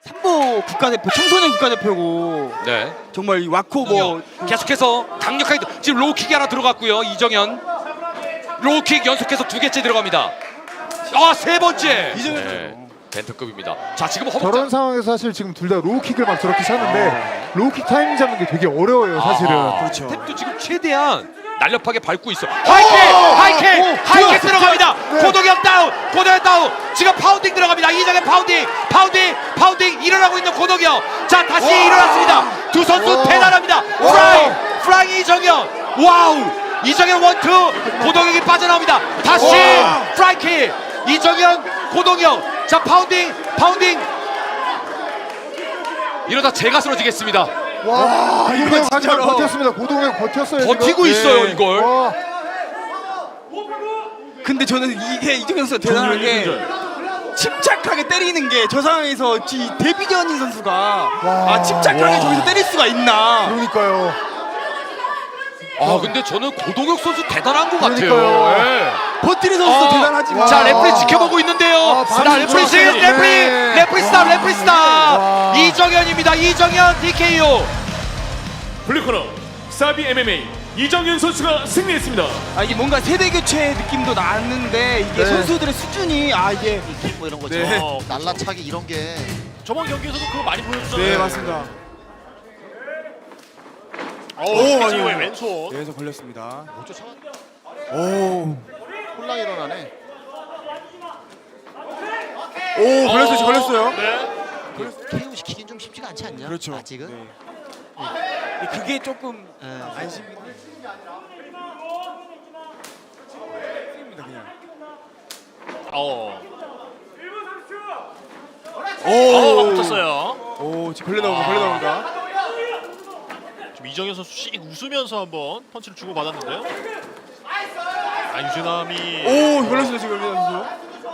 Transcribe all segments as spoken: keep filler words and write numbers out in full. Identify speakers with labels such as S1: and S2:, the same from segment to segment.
S1: 삼보 국가대표, 청소년 국가대표고.
S2: 네.
S1: 정말 이 와코 뭐
S2: 계속해서 강력하게 지금 로우킥이 하나 들어갔고요. 이정현 로우킥 연속해서 두 개째 들어갑니다. 아, 세 번째.
S1: 이정현
S2: 네. 벤트급입니다. 자, 지금
S3: 저런
S2: 허벅지
S3: 상황에서 사실 지금 둘 다 로우킥을 막 저렇게 차는데 로우킥 타이밍 잡는 게 되게 어려워요 사실은.
S2: 아하.
S1: 그렇죠.
S2: 탭도 지금 최대한 날렵하게 밟고 있어. 하이킥! 하이킥! 하이킥 들어갑니다.
S3: 네.
S2: 고동현 다운! 고동현 다운! 지금 파운딩 들어갑니다. 이정현 파운딩! 파운딩! 파운딩! 일어나고 있는 고동현. 자, 다시 일어났습니다. 두 선수
S3: 와.
S2: 대단합니다. 프라이! 프라이 이정현! 와우! 이정현 원투! 고동현이 빠져나옵니다. 다시
S3: 와.
S2: 프라이킥! 이정현! 고동현! 자, 파운딩! 파운딩! 이러다 제가 쓰러지겠습니다.
S3: 와,
S1: 이거
S3: 이거 잘
S1: 진짜로.
S3: 버텼습니다. 고동현 버텼어요.
S2: 버티고
S3: 지금.
S2: 있어요,
S3: 네.
S2: 이걸.
S3: 와,
S1: 근데 저는 이게 이정현 선수가 대단한 게 침착하게 때리는 게 저 상황에서 이 데뷔전인 선수가 아 침착하게
S3: 와.
S1: 저기서 때릴 수가 있나.
S3: 그러니까요.
S2: 아, 근데 저는 고동혁 선수 대단한 것 같아요.
S3: 그러니까요.
S2: 예.
S1: 버티는 선수도
S2: 아,
S1: 대단하지만
S2: 자, 레프리
S3: 와.
S2: 지켜보고 있는데요.
S3: 아,
S2: 자,
S3: 반응
S2: 레프리 지
S3: 좋았어요.
S2: 레프리
S3: 네.
S2: 레프리 스탑 레프리 스탑
S3: 와.
S2: 이정현입니다. 이정현 디케이오.
S4: 블루코너 사비 엠엠에이 이정현 선수가 승리했습니다.
S1: 아 이게 뭔가 세대 교체 느낌도 나는데 이게
S3: 네.
S1: 선수들의 수준이 아 이게
S5: 뭐 이런 거죠.
S1: 네.
S5: 어, 날라차기 이런 게
S4: 저번 경기에서도 그거 많이 보여줬잖아요.
S1: 네 맞습니다.
S4: 오,
S1: 맞아요.
S4: 왼손.
S1: 네, 저 걸렸습니다.
S5: 못 쫓아.
S1: 오,
S5: 홀랑 일어나네.
S1: 오 걸렸어요, 저 걸렸어요.
S4: 네.
S5: 케이오 시키긴 좀 쉽지가 않지 않냐?
S1: 그렇죠.
S5: 아직은.
S1: 네. 네, 그게 조금
S5: 네.
S1: 안심이. 입니다 그냥.
S4: 어.
S1: 오,
S4: 어, 붙었어요.
S1: 오, 지금 걸려 나옵니다, 걸려 나옵니다.
S4: 좀 이정현 선수 씩 웃으면서 한번 펀치를 주고 받았는데요. 아, 유진남이
S1: 오, 걸렸어요, 지금 걸려 선수.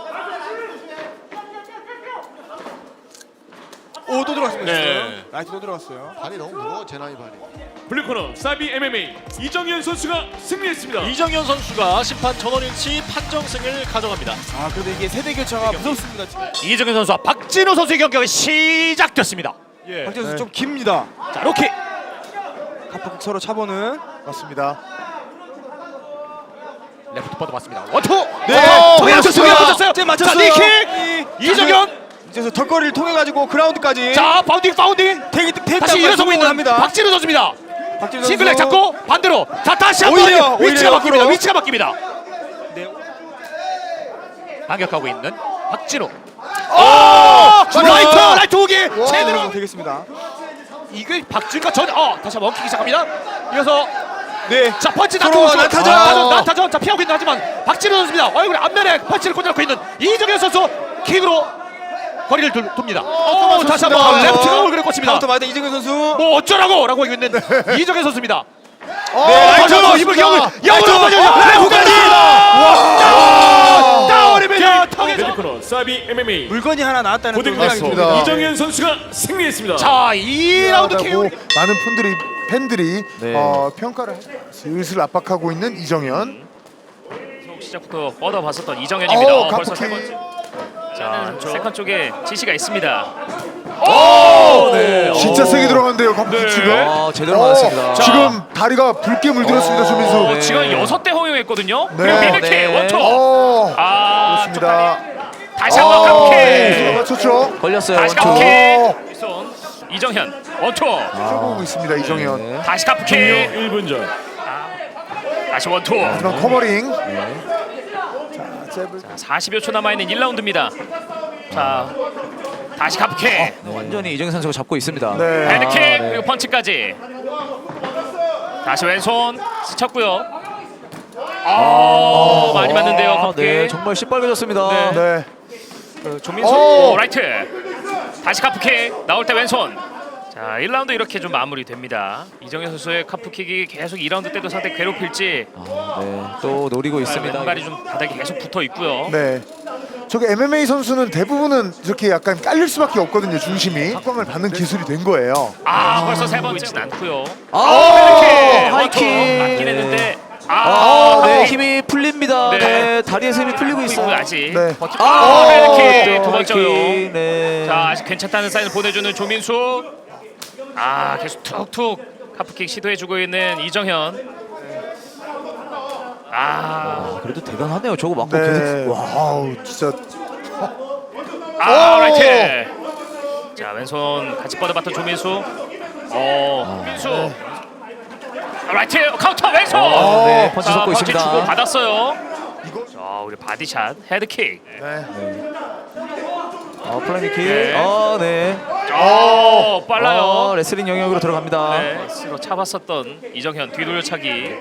S1: 오, 또 들어갔습니다.
S4: 네.
S1: 지금. 라이트 또 들어갔어요.
S5: 발이 너무 무거워 제 나이 발이.
S4: 블루코너 사비 엠엠에이 이정현 선수가 승리했습니다. 이정현 선수가 심판 전원일치 판정승을 가져갑니다.
S1: 아, 그래도 이게 세대 교체가 무섭습니다. 지금.
S4: 이정현 선수와 박진우 선수의 경기가 시작됐습니다. 예.
S1: 박재수 선수
S3: 네.
S1: 좀 깁니다.
S4: 자, 로킥.
S1: 갑박 서로 차보는.
S3: 맞습니다.
S4: 레프트 뻗어봤습니다. 원투.
S1: 네.
S4: 정현 선수
S1: 맞췄어요.
S4: 맞췄어요.
S1: 쟤
S4: 자,
S1: 맞췄어요.
S4: 니킥. 이정현.
S1: 이제 턱걸이를 통해 가지고 그라운드까지.
S4: 자, 파운딩 파운딩.
S1: 태기 태기
S4: 다시 일어서고 있는
S1: 합니다.
S4: 박진우 선수입니다.
S1: 박진우
S4: 싱글렉
S1: 선수.
S4: 잡고 반대로. 자, 다시 한번
S1: 오히려,
S4: 위치가
S1: 오히려
S4: 바뀝니다.
S1: 옆으로.
S4: 위치가 바뀝니다.
S1: 네.
S4: 반격하고 있는 박진우.
S1: 오!
S4: 자, 라이트 라이트 오기 제대로.
S1: 와, 되겠습니다.
S4: 이게 박진우가 전 어, 다시 한번 킥이 시작합니다. 이어서
S1: 네.
S4: 자, 펀치
S1: 서로
S4: 나타고
S1: 나타전.
S4: 나타전 나타전. 자, 피하고 있는 하지만 박진우 선수입니다. 얼굴에 앞면에 펀치를 꽂아놓고 있는 이정현 선수 킥으로 거리를 돌, 돕니다. 오, 다시 한번
S1: 카운터.
S4: 레프트가 얼굴에 꽂힙니다.
S1: 카운터 맞아 이정현 선수.
S4: 뭐 어쩌라고 라고 하고 있는 이정현 선수입니다.
S1: 네, 라이트
S4: 어, 힘을
S1: 좋습니다.
S4: 영을 영으로
S1: 라이트.
S4: 맞아요.
S1: 네,
S4: 후까지.
S1: 와!
S4: 다운이면 턱에서.
S6: 블루코너 사비 엠엠에이
S1: 물건이 하나 나왔다는 또
S6: 고등학교
S1: 생각이
S3: 맞습니다.
S1: 듭니다.
S6: 이정현 선수가 승리했습니다.
S4: 자, 이 라운드 케이오.
S3: 하고 많은 팬들이 팬들이
S1: 네.
S3: 어, 평가를 슬슬 압박하고 있는 이정현.
S7: 시작부터 뻗어봤었던 이정현입니다.
S3: 어,
S7: 어, 벌써
S3: 가프키.
S7: 세 번째. 자, 세컨 쪽에 지시가 있습니다.
S4: 오! 네.
S3: 진짜 세게 들어간대요. 가프키 지금.
S1: 아, 제대로
S3: 어,
S1: 맞았습니다.
S3: 지금 다리가 붉게 물들었습니다. 조민수.
S7: 어,
S1: 네.
S7: 지금 여섯 대 허용했거든요.
S3: 네.
S7: 그리고 미들킥
S1: 네.
S7: 원투.
S3: 어,
S7: 아,
S3: 좋습니다.
S7: 다시 한번
S3: 어,
S7: 카프킥.
S3: 맞췄죠.
S1: 걸렸어요.
S7: 다시
S1: 원투.
S7: 카프킥.
S3: 어,
S7: 손 이정현 원투.
S3: 쫓아보고 있습니다. 이정현.
S7: 다시 카프킥.
S6: 일 분 전
S7: 다시 원투.
S3: 그런 커버링.
S7: 사십여 초 남아 있는 일 라운드입니다. 자, 다시 카프킥.
S1: 완전히 이정현 선수가 잡고 있습니다.
S3: 네.
S7: 헤드킥 그리고 펀치까지. 다시 왼손 스쳤고요. 아, 많이 맞는데요. 카프킥.
S1: 네, 정말 시뻘개졌습니다.
S3: 네.
S7: 그 조민수
S3: 오!
S7: 오, 라이트. 다시 카프킥 나올 때 왼손. 자, 일 라운드 이렇게 좀 마무리됩니다. 이정현 선수의 카프킥이 계속 이 라운드 때도 상대 괴롭힐지
S1: 네, 또 노리고 있습니다.
S7: 왼발이 좀 바닥에 계속 붙어 있고요.
S3: 네. 저기 엠엠에이 선수는 대부분은 이렇게 약간 깔릴 수밖에 없거든요. 중심이. 각광을 받는 기술이 된 거예요.
S7: 아, 벌써 세 번째는 않고요.
S1: 아,
S7: 헤드킥
S1: 하이킥.
S7: 맞긴 했는데 아,
S4: 네, 힘이 풀립니다.
S7: 네.
S4: 네, 다리에서 힘이 풀리고
S7: 이거
S4: 있어요.
S7: 아직.
S5: 네.
S7: 아, 헤드킥
S4: 또
S7: 두 번째
S4: 헤드킥,
S7: 용.
S4: 네.
S7: 자, 아직 괜찮다는 사인을 보내주는 조민수. 아, 계속 툭툭 카프킥 시도해주고 있는 이정현. 아,
S4: 그래도 대단하네요. 저거 맞고
S3: 네.
S4: 계속. 와.
S3: 와우 진짜
S7: 아, 라이트. 자, 왼손 같이 뻗어봤던 조민수. 어, 민수. 아, 라이트 카운터 왼손.
S4: 어, 네, 펀치
S7: 자,
S4: 섞고
S7: 펀치
S4: 있습니다.
S7: 주고 받았어요. 자, 우리 바디샷 헤드킥.
S3: 네.
S4: 어, 플라이킥.
S7: 네.
S4: 어, 네.
S7: 어, 빨라요.
S4: 어, 레슬링 영역으로 들어갑니다.
S7: 네, 스로 차봤었던 이정현 뒤돌려차기.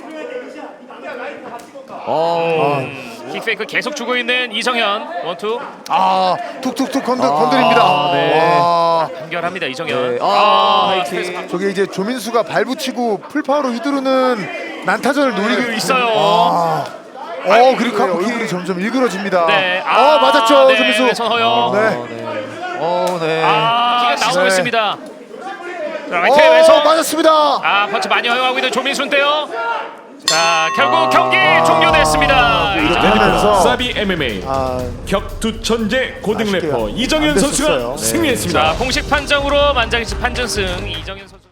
S4: 어.
S7: 음, 킥페이크 계속 주고 있는 이정현. 원투
S3: 아 툭툭툭 건드, 건드립니다.
S4: 아, 네.
S3: 와
S7: 연결합니다. 이정현.
S4: 네. 아, 하이킥.
S7: 스페이스
S3: 저게 이제 조민수가 발붙이고 풀파워로 휘두르는 난타전을 노리고
S7: 있어요.
S3: 아. 어 그리고 카프킥이 점점 일그러집니다.
S7: 네.
S3: 어 맞았죠
S7: 네,
S3: 조민수.
S7: 왼손 허용.
S3: 네.
S4: 어, 네. 어, 네.
S7: 아, 키가 나오고
S3: 네.
S7: 있습니다. 자, 라이트
S3: 어
S7: 왼손.
S3: 맞았습니다.
S7: 아, 펀치 많이 허용하고 있는 조민수인데요. 자, 결국
S3: 아.
S7: 경기 종료됐습니다.
S3: 이렇게
S7: 이정현.
S3: 하면서
S6: 사비 엠엠에이
S3: 아
S6: 격투 천재 고등
S3: 아쉽게요.
S6: 래퍼 이정현
S3: 안
S6: 선수가
S3: 됐었어요. 네.
S6: 승리했습니다.
S7: 자, 공식 판정으로 만장일치 판정승 이정현 선수.